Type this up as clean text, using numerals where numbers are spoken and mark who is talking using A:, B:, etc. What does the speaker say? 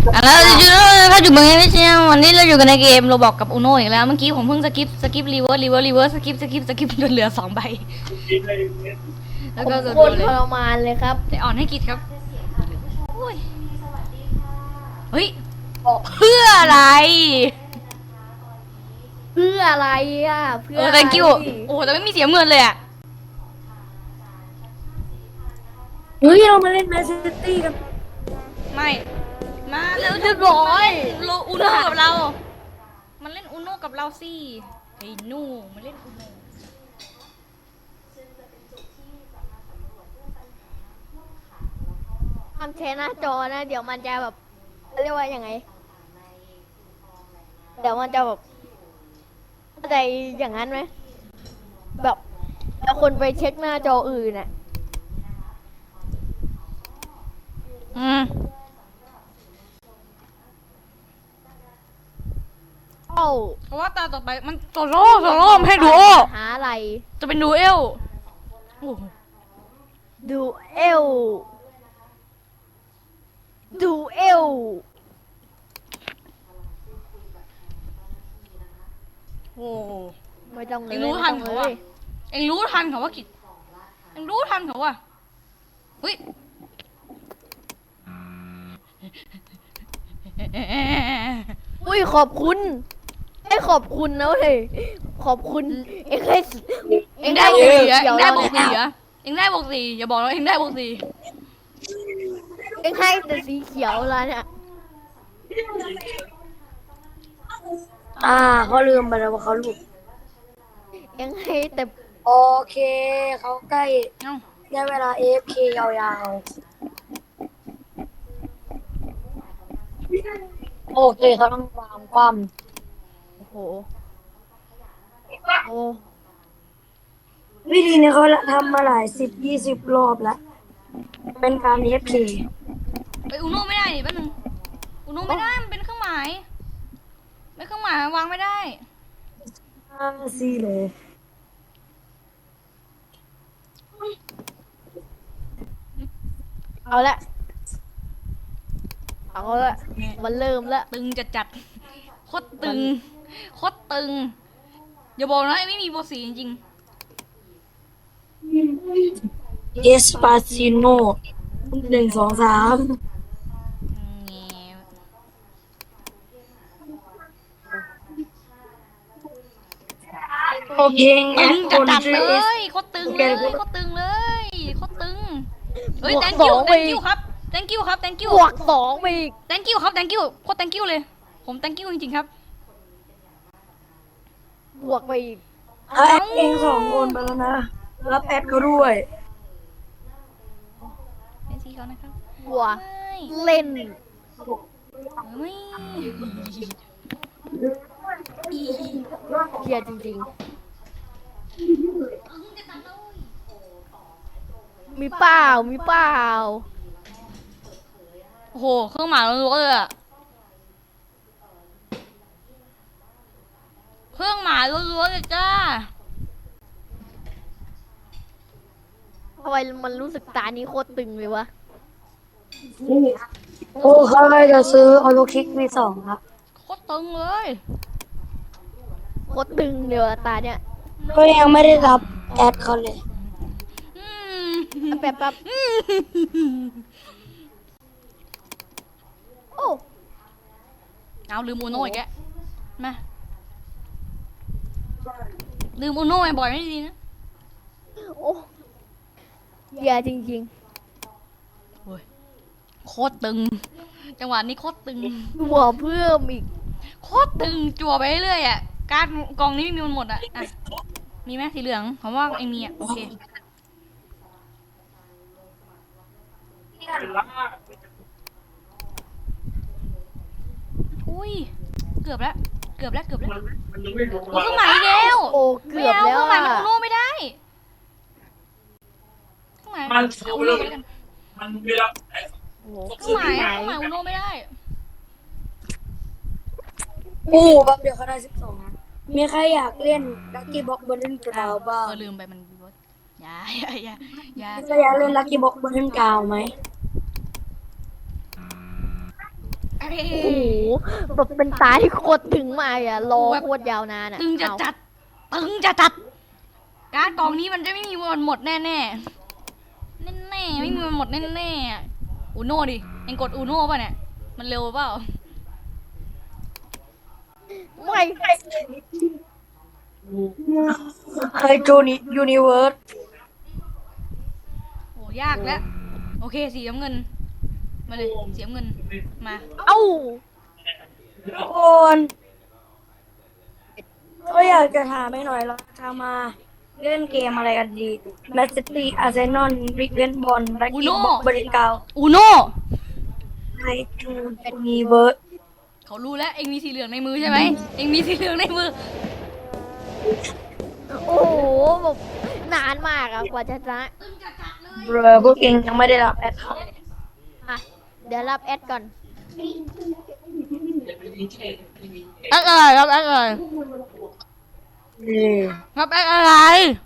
A: แล้วถ้าอยู่เมืองไม่ใช่วันนี้เราอยู่กันในเกมเราบอกกับอุโนอีกแล้วเมื่อกี้ผมเพิ่งสกิปรีเวิร์สสกิปจนเหลือ2 ใบแล้วก็
B: โคตรทรมานเลยครับ
A: แต่อ่อนให้กิจครับเฮ้ยเพื่ออะไร
B: เพื่ออะไรอ่ะเพื่ออะไร
A: thank you โอ้แต่ไม่มีเสียเงินเลยอ่ะ
C: เฮ้ยเรามาเล่นแมนซิตี้กัน
A: ไม่มาแล้ว
B: เรียบร้อย
A: อุโนกับเรามันเล่นอุโนกับเราสิไอ้นูมันเล่นอุโน
B: ทำแชร์หน้าจอนะเดี๋ยวมันจะแบบเรียกว่ายังไงเดี๋ยวมันจะแบบเข้าใจอย่างนั้นไหมแบบแล้วคนไปเช็คหน้าจออื่นน่ะเอ้า
A: เพราะว่าตาต่อไปมันโซโล่ไม่ให้ดูโอ
B: หาอะไร
A: จะเป็นดูเอล
B: ดูเอลดูเอล
A: โอ้
B: ไม่ต้องเลย
A: เอ็งรู้ทันเขาว่าเอ็งรู้ทันเขาว่ากิจเอ็งรู้ทันเขาว่าเฮ้ย
B: อุ้ยขอบคุณไอ้ขอบคุณนะเว้ยขอบคุณเอ็งให้
A: เอ็งได้บวก4เอ็งได้บวก4เอ็งได้บวก4อย่าบอกว่าเอ็งได้บวก4
B: เอ็งให้แต่สีเขียวแล้วเนี่ย
C: เขาลืมไปแล้วว่าเขาหลุด
B: เอ็งให้แต่
C: โอเคเขาใกล้ได้เวลา AFK ยาวๆโอเคเขาต้องวางความ
B: โอ้โหโอ้
C: วิธีนี้เขาทำมาหลาย10-20 รอบแล้วเป็นการ AFK
A: ไปอุโนไม่ได้ดิแป๊บนึงอุโนไม่ได้มันเป็นเครื่องหมายไม่เครื่องหมายวางไม่ได้
C: ซี่เลย
B: เอาละมันเริ่มละ
A: ตึงจัดโคตรตึงอย่าบอกนะไม่มีบวก4จริง
C: เอสปาซิโน1 2 3โอเค
A: ตึ
C: งั้น
A: งจัดเลยโคตรตึงเลยโคตรตึงเฮ้ย thank you ครับ thank you
B: บวก2ไปอีก
A: thank you ครับ thank you โคตร thank you เลยผม thank you จริงๆครับ
B: บวกไปอีก
C: แอดเอง2 คนไปแล้วนะรับแอดเขาด้วย
A: เป็นสีเขานะครับ
B: บวกเล่น
A: ไม่
B: เกียจริงๆมีเปล่า
A: โอ้โหเครื่องหมายล้วนๆเลยอะเครื่องหมายล้วนๆเลยจ้า
B: ทำไมมันรู้สึกตานี้โคตรตึงเลยวะ
C: โอ้เขาจะซื้อออโลคิกV2ครับ
A: โคตรตึงเลย
B: โคตรตึงเดี๋ยวตาเนี่ย
C: ก็ยังไม่ได้รับแอดเขาเลย
B: แป๊บโอ้
A: เอาลืมอูโน่อีกแกมาลืมอูโน่บ่อยไม่ดีนะ
B: โอ้เยอะจริง
A: โคตรตึงจังหวะนี้โคตรตึง
B: ๆหัวเพิ่มอีก
A: โคตรตึงจั่วไปเรื่อยๆอ่ะการกองนี้มีมันหมดอ่ะมีไหมสีเหลืองผมว่าเองมีอ่ะโอเคอุ้ยเกือบแล้วเครื่องหมายแล้ว
B: โอ้เกือบแล้ว
A: เครื่องหมายมันอุโน่ไม่ได้เครื่องหมายอุโน่ไม่ได้เครื่องหมายอุโน่ไม่ได้
C: แป๊บเดียวเขาได้12นะมีใครอยากเล่นลัคกี้บ็อกบนเล่นกราวบ้าง
A: ลืมไปมันมีบอสอย่า
C: ใครอยากเล่นลัคกี้บ็อกบนเล่นกราวไหม
B: โอ้โหแบบเป็นตาที่โคตรถึงมากอะรอโคตรยาวนานอะ
A: ตึงจะ
B: เอา
A: จัดตึงจะจัดการ์ดกล่องนี้มันจะไม่มีวันหมดแน่แน่แน่ๆไม่มีวันหมดแน่แน่อูโน่ดิเอ็งกดอูโน่ป่ะเนี่ยมันเร็วเปล่า
B: ไม่
C: ไฮโดรยูนิเวิร์ส
A: โอ้ยากแล้วโอเคสีน้ำเงินมาเลยสีน้ำเงินมา
B: เอ้า
C: ทุกคนก็อยากจะถามไปหน่อยเราจะมาเล่นเกมอะไรกันดีแมนซิตี้อาร์เซนอลริกเวนบอลแบล็กกิ้งบริกาว
A: อูโน่
C: ไฮโดรยูนิเวิร์ส
A: เขารู้แล้วเอ็งมีสีเหลืองในมือใช่ไหมเอ็งมีสีเหลืองในมือ
B: โอ้โหแบบนานมากอะกว่าจะชนะ
C: เบรอพวกเองยังไม่ได้รับแอดครับ
B: อ่ะเดี๋ยวรับแอดก่อน
A: แอดอะไรครับแอดอะไร
C: เออ
A: ครับแอดอะไร